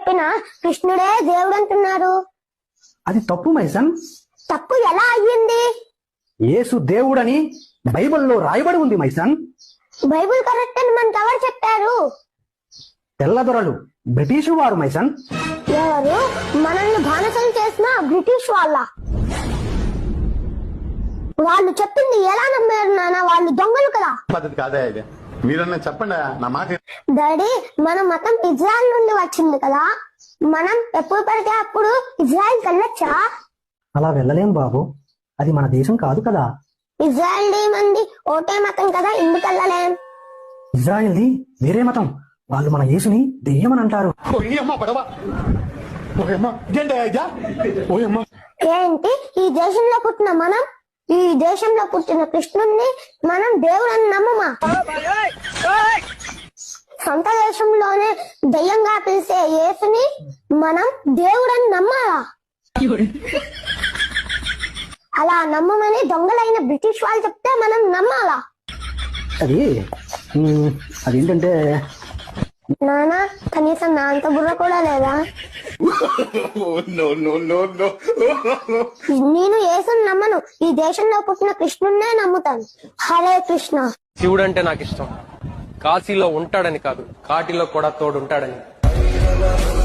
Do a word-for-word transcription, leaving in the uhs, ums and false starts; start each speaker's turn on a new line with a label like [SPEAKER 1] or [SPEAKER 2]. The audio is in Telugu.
[SPEAKER 1] చెప్పిన కృష్ణుడే దేవుడు అంటున్నారు.
[SPEAKER 2] అది తప్పు మైసన్.
[SPEAKER 1] తప్పు ఎలా అయ్యింది?
[SPEAKER 2] యేసు దేవుడని బైబిల్లో రాయబడి ఉంది మైసన్.
[SPEAKER 1] బైబిల్ కరెక్ట్ అని మనకు ఎవరు చెప్పారు?
[SPEAKER 2] తెల్లదొరలు, బ్రిటిషు వారు మైసన్.
[SPEAKER 1] ఎవరు? మనల్ని బానిసలు చేసిన బ్రిటిష్ వాళ్ళ. వాళ్ళు చెప్పింది ఎలా నమ్మారు నాన్న? వాళ్ళు దొంగలు కదా.
[SPEAKER 3] పద్ధతి కాదా ఇది? మీరన్నా చెప్పండి నా మాట.
[SPEAKER 1] డాడీ, మన మతం ఇజ్రాయెల్ నుండి వచ్చింది కదా, మనం ఎప్పుడు పడితే అప్పుడు ఇజ్రాయెల్ వెళ్ళొచ్చా?
[SPEAKER 2] అలా వెళ్ళలేం బాబు, అది మన దేశం కాదు కదా.
[SPEAKER 1] ఇజ్రాయెల్ మంది ఓటే మతం కదా, ఎందుకు వెళ్ళలేం?
[SPEAKER 2] ఇజ్రాయెల్ది వేరే మతం, వాళ్ళు మన యేసుని దెయ్యమని అంటారు.
[SPEAKER 1] ఏంటి ఈ దేశంలో పుట్టిన మనం, ఈ దేశంలో పుట్టిన కృష్ణుణ్ణి మనం దేవుడని నమ్మమా? సొంత దేశంలోనే దయ్యంగా పిలిచే యేసుని మనం దేవుడని నమ్మాలా? అలా నమ్మమని దొంగలైన బ్రిటిష్ వాళ్ళు చెప్తే మనం నమ్మాలా?
[SPEAKER 2] అది అదేంటంటే
[SPEAKER 1] నానా, కనీసం నా అంత బుర్ర కూడా లేదా? నేను యేసుని నమ్మను, ఈ దేశంలో పుట్టిన కృష్ణున్నే నమ్ముతాను. హరే కృష్ణ.
[SPEAKER 4] శివుడు అంటే నాకు ఇష్టం, కాశీలో ఉంటాడని కాదు, కాటిలో కూడా తోడుంటాడని.